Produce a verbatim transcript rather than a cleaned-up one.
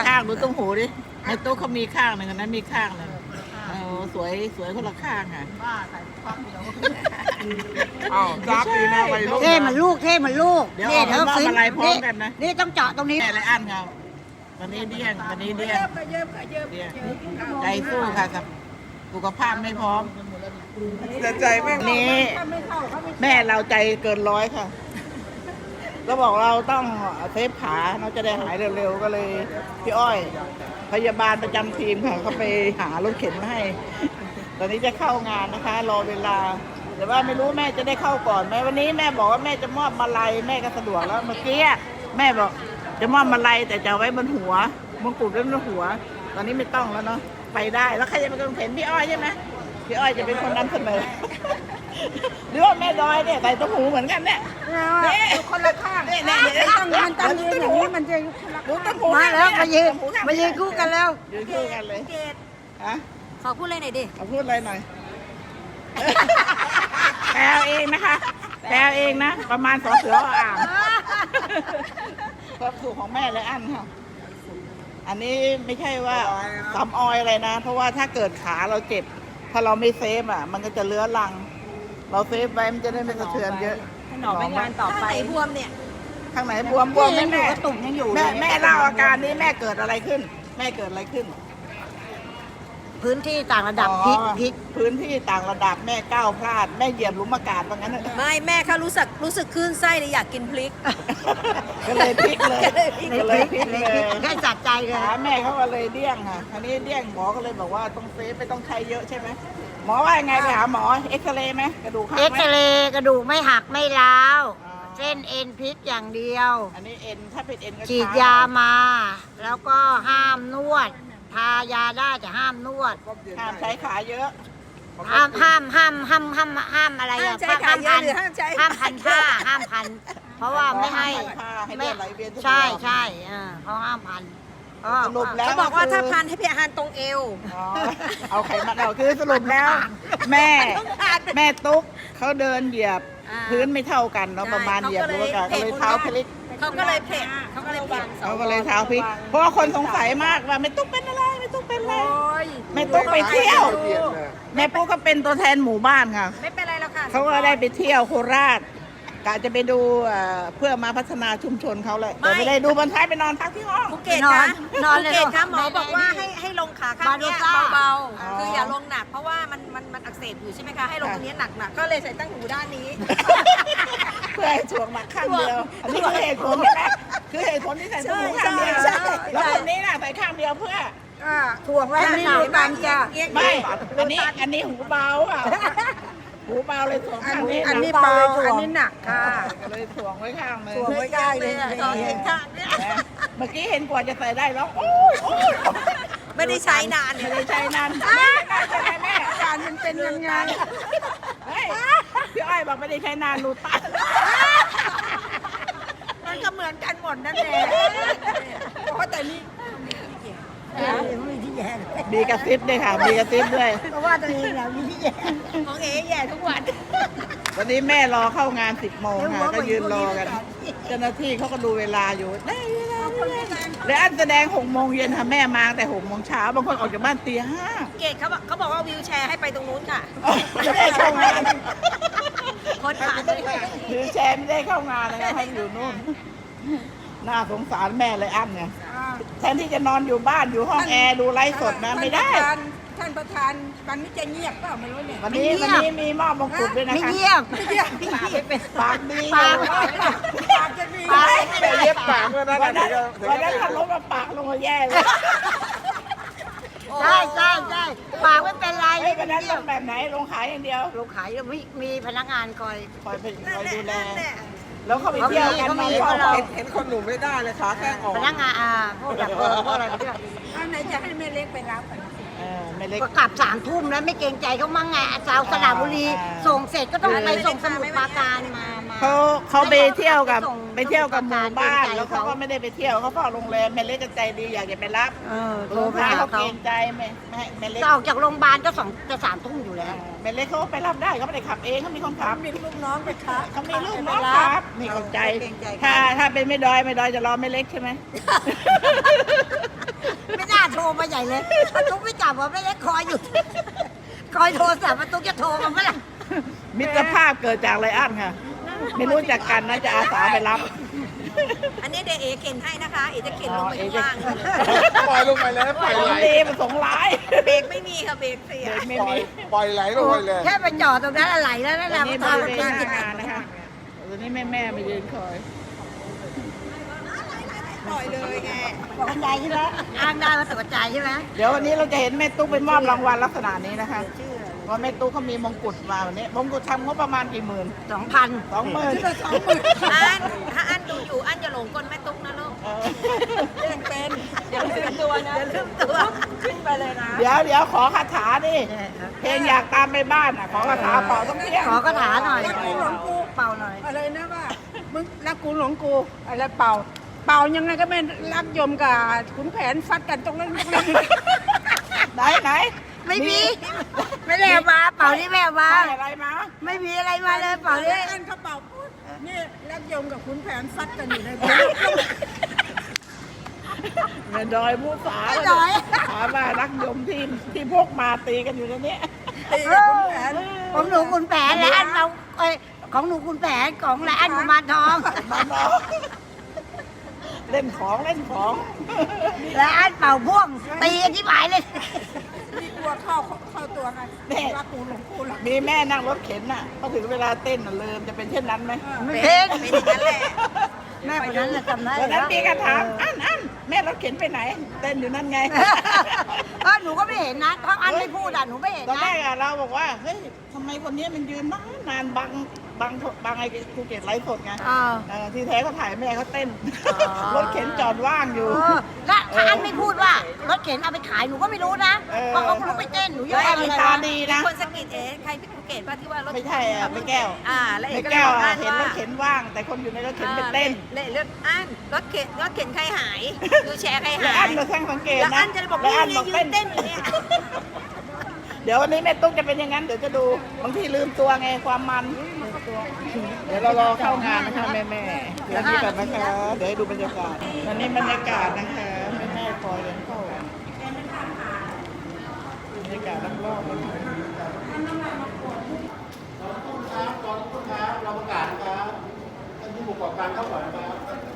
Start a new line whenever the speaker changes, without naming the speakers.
ข้างดูตุ้งหูดิในโต๊ะเขามีข้างหนึ่งอันนั้นมีข้างหนึ่งเออสวยสวยคนละข้างอ่ะ
อ้าวจ้าปีหน้าไปลูก
เท่เหมือนลูกเท่เหมือนลูก
เดี๋ยว
นี่
เอา
เธอ
มา
ฟิน
อะไรพร้อมกันนะ
นี่ต้องเจาะตรงนี้
แม่ไรอันเขาวันนี้เดี้ยงวันนี้เดี้ยงเดี้ยงใจสู้ค่ะครับสุขภาพไม่พร้อม
แต่ใจไม่
วันนี้แม่เราใจเกินร้อยค่ะก็บอกเราต้องเซฟขาเราจะได้หายเร็วๆก็เลยพี่อ้อย พยาบาลประจำทีมค่ะเขาไปหารถเข็นมาให้ ตอนนี้จะเข้างานนะคะ รอเวลา แต่ว่าไม่รู้แม่จะได้เข้าก่อนไหมวันนี้แม่บอกว่าแม่จะมอบมาลัยแม่ก็สะดวกแล้วเมื่อกี้แม่บอกจะมอบมาลัยแต่จะเอาไว้บนหัวมงกุฎไว้บนหัว ตอนนี้ไม่ต้องแล้วเนาะไปได้แล้วใครจะเป็นคนเข็นพี่อ้อยใช่ไหมพี่อ้อยจะเป็นคนนำเสนอ หรือว่าแม่ดอยเนี่ยใส่ตุ้มหูเหมือนกันเนี่ยเนี่ยคนละข้างเนี่ยเนี่ยเดี๋ยว
ต้องมันต้องยืนอย่างนี้มันจะ
ดูตุ้มหู
มาแล้วมายืน
ตุ้หูข้ง
มายืนคู่กันแล้ว
ยืนคู่กันเลย
เกด
ฮะ
ขอพูดเลยหน่อยดิ
เอาพูดอะไรหน่อย แปลเองนะคะแปลเองนะประมาณสอเสืออ่างความสุขของแม่เลยอันค่ะอันนี้ไม่ใช่ว่าสำออยอะไรนะ เพราะว่าถ้าเกิดขาเราเจ็บ ถ้าเราไม่เซฟอ่ะ มันก็จะเลื้อรัง เราเซฟไว้มันจะได้ไม่สะเทือนเยอะ
หนอไปงานต่อ
ถ้า
ไป
ไหนบวมเนี่ย
ข้างไหนบวมบวม
ยังอยู่
แม่
กระตุ่มยังอยู่
แม่
เลย
แม่เล่าอาการนี้แม่เกิดอะไรขึ้น แม่เกิดอะไรขึ้น
พื้นที่ต่างระดับพลิกพลิก
พื้นที่ต่างระดับแม่ก้าวพลาดแม่เหยียบหลุมอากาศว่างั้นเถอะ
ไม่แม่เขารู้สึกรู้สึกคลื่นไส้เลยอยากกินพริก
ก็เลยพลิกเลย
ใน
ก็
พ
เล
ลิ
ย
ก
พลิก
ใน
เล
พลิ
ย
กได้จัดใจเลย
ขาแม่เขาก็เลยเดี้ยงค่ะอันนี้เดี้ยงหมอก็เลยบอกว่าต้องเซฟไม่ต้องใช้เยอะใช่ไหมหมอว่ายังไงไปหาหมอเอ็กซเรย์ไหมกระดูกหัก
เอ็ก
ไหม
ซเรย์กระดูกไม่หักไม่ร้าว
อ๋อ
เส้นเอ็นพลิกอย่างเดียว
อันนี้เอ็นถ้าเป็นเอ็นก็
ฉีดยามา แล้วก็ห้ามนวด ทายาได้แต่ห้ามนวด
ห้ามใช้ขาเยอะ
ห้ามห้ามห้ามห้ามห้ามห้ามอะไร
ห้าม
อะ
ใช้ขาเยอะหรือห้ามใช้
ห้ามพันผ้าห้ามพัน เพราะว่าไม่ให้
ผ้าให้เลือดไหลเวียนสะดวก
ใช่ใช่อ่าเขาห้ามพันก็
สรุปแล้ว
เขาบอกว่า
คื
ถ้าพันให้พี่อาหารตรงเอว
อ๋อเอาไขมันเอาคือสรุปแล้ว แม่แม่ตุ๊กเขาเดินเหยียบ
อ่า
พื้นไม่เท่ากันเนาะประมาณเหยียบหรือว่าก็เลยเท้าพลิก
เขาก็เลยเผ็ดเขาก็เลยเผ็ด
เขาก็เลยเท้าพลิก เพราะว่าคนสงสัยมากว่าแม่ตุ๊กเป็นอะไรแม่ตุ๊กเป็นอะไรแม่ตุ๊กไปเที่ยว แม่ปุ๊กก็เป็นตัวแทนหมู่บ้านค่ะ
ไม่เป็นไรแล้วค่ะ
เขาก็ได้ไปเที่ยวโคราชกะจะไปดูเอ่อเพื่อมาพัฒนาชุมชนเขาเลยแต่ไม่ได้ดูบนท้ายไปนอนพักที่ห้อง
ภูเก็ต
นอ
คะ
นนอนเลย
ภูเก็ตคะหมอ
ใน
บอกว่า
ใน
ให้ให้ลงขาข้างเนี้ย
บาดูซ่า
เบา
อ๋อ
ๆคืออย่าลงหนักเพราะว่ามันมันมันอักเสบอยู่ใช่ไหมคะให้ลงตรงนี้หนักๆก็เลยใส่ตั้งหูด้านนี้
เพื่อให้ถ่วงหนักข้างเดียว อันนี้คือเหตุผลใช่ไหมคือเหตุผลที่ใส่ตัวหมูข้างเดียว
ใช่ใช่
แล้วคนนี้น่ะใส่ข้างเดียวเพื่อ
ถ่วงไว้ให้หนักกันจ้ะ
ไม่ อันนี้อันนี้หูเบาอ่ะหูเบาเลยถ่วงข้างนี้
อันนี้
หก
เบาอันนี้หนักค่ะ
ก็เลยถ่วงไว้ข้างเลย
ถ่วงไว้ได้เลย
ตอนเห็นข้างเนี้ย
นะเมื่อกี้เห็นกว่าจะใส่ได้แล้วโอ้ยโอ้ย
ไม่ได้ใช้นาน
ไม่
เนี่ย
ได้ใช้นานไม่ได้ใช้นานแม่
การมันเป็นยังไง
เฮ้ยพี่อ้อยบอกไม่ได้ใช้นานรูตัน
มันก็เหมือนกันหมดนั่นแหละเพราะแต่นี่
มีที่แย่
มีกระซิบด้วยค่ะ มีกระซิบด้วย
เพราะว่าตัวเองอะมีที่แย่
ของเอ๋แย่ทุกวัน
วันนี้แม่รอเข้างานสิบโมงค่ะ ก็ยืนรอกัน เจ้าหน้าที่เขาก็ดูเวลาอยู่ได้เวลาได้เวลาและอันแสดงหกโมงเย็นค่ะแม่มาแต่หกโมงเช้าบางคนออกจากบ้านตีห้า
เกดเขาบอกเขาบอกว่าวิวแชร์ให้ไปตรงนู้นค่ะ
ไม่ได้เข้างาน
คนผ่านเลยค่ะ
หรือแชร์ไม่ได้เข้างานนะคะให้อยู่นู่น น่าสงสารแม่เลยอันเนี่ยแทนที่จะนอนอยู่บ้านอยู่ห้องแอร์ดูไลฟ์สดนะไม่ได้
ท่านประธานวันนี้จะเงียบเปล่าไม่รู้เนี่ย
วันนี้วันนี้มีมอบมงกุฎด้วยนะ
ไม่
คะ
เยี่ยม
ปากดี
ปาก
ปากจะมี
ปาก
แต่เย็บปากเมื่อนั้น
วันนั้น
ถึง
วัน
จะ
นั้นถ้าลบมาปากลงมาแย่เลย
ใช่ใช่ใช่ปากไม่เป็นไร
เฮ้ยวันนั้นลงแบบไหนลงขายอย่างเดียว
ลูกขายมีมีพนักงานคอย
คอยเป็นค
นั่น
อย
แหละ
ดูแล
นั่นแหละ
แล้วเขาไปเที่ยวกัน
เขามี
มา
เขามี
เฝ้า
เห็นเห็นคนหนุ่มไม่ได้เลยขาแข้งออก
พนักงานอ่าพวกดับเพลิงพวกอะไรพวกนี้
เอาไหนจะให้แม่เล็กไปรับอ่ะ
เออไม่เล็ก
ก็กลับสามทุ่มแล้วไม่เกรงใจเขามั่งไงสาวสระบุรี
อ่า
ส่งเสร็จก็ต้องไปส่งสมุทรปราการมามา
เขาเขาไปเที่ยวกับ
ส่ง
ไปเที่ยวกับหมู่บ้าน
เกรงใจ
แล้วเขาก็ไม่ได้ไปเที่ยวเขาเฝ้าโรงแรมแม่เล็กก็ใจดีอยากจะไปรับ
เออโทร
ลูก
ไป
ค้า
หา
เขา
เขา
เกรงใจแม่แม่แม่เล็ก
จะออกจากโรงพยาบาลก็สองจะสามทุ่มอยู่แล้ว
แม่เล็กเขาก็ไปรับได้เขาไม่ได้ขับเองเขามีคนขับ
มีลูกน้องไปครับ
เขามีลูกน้องครับนี่เข้าใจ ถ้าถ้าเป็นไม่ดอยไม่ดอยจะรอไม่เล็กใช่ไหม
ใหญ่เลยป้าตุ๊กไม่จับว่าไม่เล็กคอยอยู่ คอยโทรศัพท์ป้าตุ๊กจะโทรมาเมื่อไหร่
มิตรภาพเกิดจากไรอันค่ะ ไม่รู้จักกันนะจะอาสาไปรับ
อันนี้เดยวเอเข็นให้นะคะ เอจะเข็นลงไปข้างล่าง
ปล่อยลงไปเลยปล่อย
ขอ
ไหล
งดีมันสงร้าย
เบรกไม่มีค่ะเบรกเสีย
เด็กไม่
ปล่อ
มี
ยปล่อยไหลลงไปเลย
แค่ไปจอดตรงนั้นอะไรแล้วนั่นแห
ตอ
ละ
นนี้
มา
บ
ทำ
ริ
มา
เวณ
กิ
หน้าน งานนะคะตอนนี้แม่แม่ๆมายืนคอย
ปล่อยเลยไง
ตกใจใช่ไหมอ้างได้ว่าตกใจใช่ไหม
เดี๋ยววันนี้เราจะเห็นแม่ตุ๊กไปมอบรางวัลลักษณะนี้นะคะเพราะแม่ตุ๊กเขามีมงกุฎมาวันนี้มงกุฎทำงบประมาณกี่หมื่น
สองพัน
สองหมื่น
อันถ้าอันดูอยู่อันอย่าหลงกลแม่ตุ๊กนะลูก
เออ
เล่นเป็น
อย่าลืมตัวนะอย่าลืมตัวขึ้นไปเลยนะ
เดี๋ยวเดี๋ยวขอคาถาดิเพลงอยากตามไปบ้านอ่ะขอคาถาเป่าต้องเที่ยง
ขอกระถาหน่อย
รักกูหลงกู
เป่าหน่อย
อะไรนะว่ามึงรักกูหลงกูอะไรเป่า เป่ายังไงก็ไม่รักยมกับขุนแผนฟัดกันตรงนั้น
ไหนไหน
ไม่มี ไม่ได้เอามาเป่านี่ไม่เอามา
ได้อะไรมา
ไม่มีอะไรมาเลยเป่านี่
อันเขาเป่าปุ๊บนี่รักยมกับขุนแผนฟัดกันอยู่ใน
แม่ดอยมูสา
ไม่ดอย
ถามว่ารักยมที่ที่พกมาตีกันอยู่ในนี้
ตีกับขุนแผน
ของหนูคุณแผนและอันเราเอ้ยของหนูคุณแผนของและอันกุมารทอง
มาน้องเล่นของเล่นของ
และอันเป่าพ่วงตีกันที่หมายเลย
มีกลัวเข้าเข้าตัวกันรักกูหลงกูรัก
มีแม่นั่งรถเข็นน่ะพอถึงเวลาเต้นน่ะลืมจะเป็นเช่นนั้นไหม
ไม่เป็น
เป็นอย่างนั้นแหละ
แม่คนนั้นน่ะจำได้
วันนั้นมีกระถามอันอันแม่รถเข็นไปไหน เต้นอยู่นั่นไง
เออหนูก็ไม่เห็นนะเพราะอันไม่พูดอ่ะหนูไม่เห็น
ตอนแร
นะ
กอะเราบอกว่าเฮ้ยทำไมคนนี้มันยืนนานนานบังบังบังไอ้ภูเก็ตไลฟ์สดไง
เออ
เออที่แท้เขาถ่ายแม่เขาเต้น
อ๋อ
รถเข็นจอดว่างอยู่
เออแล้วถ้าอันไม่พูดว่ารถเข็นเอาไปขายหนูก็ไม่รู้นะ
เออ
เพราะเขาลุกไปเต้นหนูยัง
แล้ว
ไม่
อัน
อะไร
มีตา
นะ
ดี
มี
นะ
คนสะกิดเอ๊ะใครพี่ภูเก็ตป่ะที่ว่ารถ
ไม่ใช่อะไม่แก้ว
อ่าแล้วเอ
ไม่
กก็เลย
แก้ว
บอก
อะ
อัน
เห็นร
ว่า
ถเข็นว่าง แต่คนอยู่ในรถเข็นไปเต้น
เละเลือกอันรถเข็นรถเข็นใครหายดูแชร์ใคร
แล้ว
หา
อั
ย
นเราแท่งสังเกต
แล้ว
นะ
อันจะบอก
แล้วอัน
นี่
บอก
ยื
เต้
น
น
เต้นอยู่เนี่ย
เดี๋ยววันนี้แม่ตุ๊กจะเป็นอย่างนั้นเดี๋ยวจะดูบางทีลืมตัวไงความมัน เดี๋ยวเรารอเข้างานนะคะแม่แม่ๆเดี๋ยวนี้กันนะคะเดี๋ยวให้ดูบรรยากาศวันนี้บรรยากาศนะคะแม่แม่ๆคอยกันเข้าบรรยากาศรอบๆนะคะ
ครับตอนนี้ครับเราประกาศนะครับท่านผู้ประกอบการเข้าก่อนนะครับ